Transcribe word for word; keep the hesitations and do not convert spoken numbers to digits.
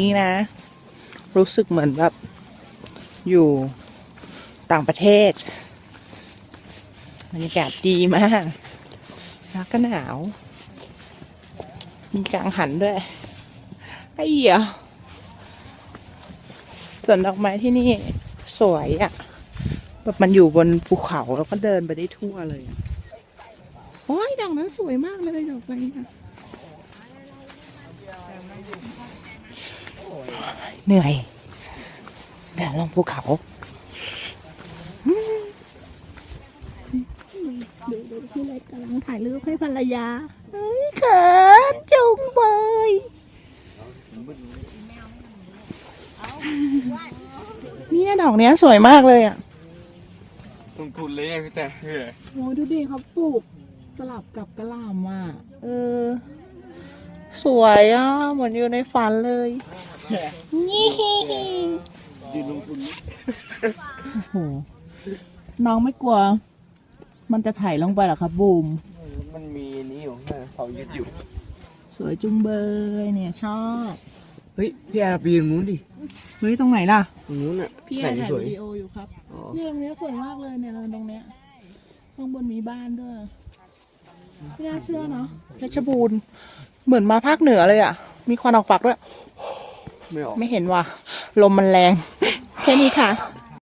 นี่นะรู้สึกเหมือนแบบอยู่ต่างประเทศบรรยากาศดีมากแล้วก็หนาวมีกังหันด้วยไอ้เหี้ยสวนดอกไม้ที่นี่สวยอะ่ะแบบมันอยู่บนภูเขาแล้วก็เดินไปได้ทั่วเลยโอ้ยดอกนั้นสวยมากเลยดอกไปนะเหนื่อยเดินลงภูเขาดูดูพี่เล็กกำลังถ่ายรูปให้ภรรยาเฮ้ยเขินจุงเบยนี่ดอกเนี้ยสวยมากเลยอ่ะลงทุนเลยพี่แต่เฮ้ยโอ้ดูดิเขาปลูกสลับกับกระหล่ำอ่ะเออสวยอ่ะเหมือนอยู่ในฝันเลยนี่ยืนลงทุนโอ้โหน้องไม่กลัวมันจะถ่ายลงไปหรอครับบูมมันมีนี้อยู่นะเสายึดอยู่สวยจุงเบยเนี่ยชอบเฮ้ยพี่แอร์ปีนนู้นดิเฮ้ยตรงไหนล่ะตรงนู้นอ่ะพี่แอร์ถ่ายวิดีโออยู่ครับนี่ตรงนี้สวยมากเลยเนี่ยเราตรงเนี้ยข้างบนมีบ้านด้วยไม่น่าเชื่อเนาะเพชรบูรณ์เหมือนมาภาคเหนือเลยอ่ะมีควันออกปากด้วยไม่ออกไม่เห็นว่ะลมมันแรงแค่นี้ค่ะ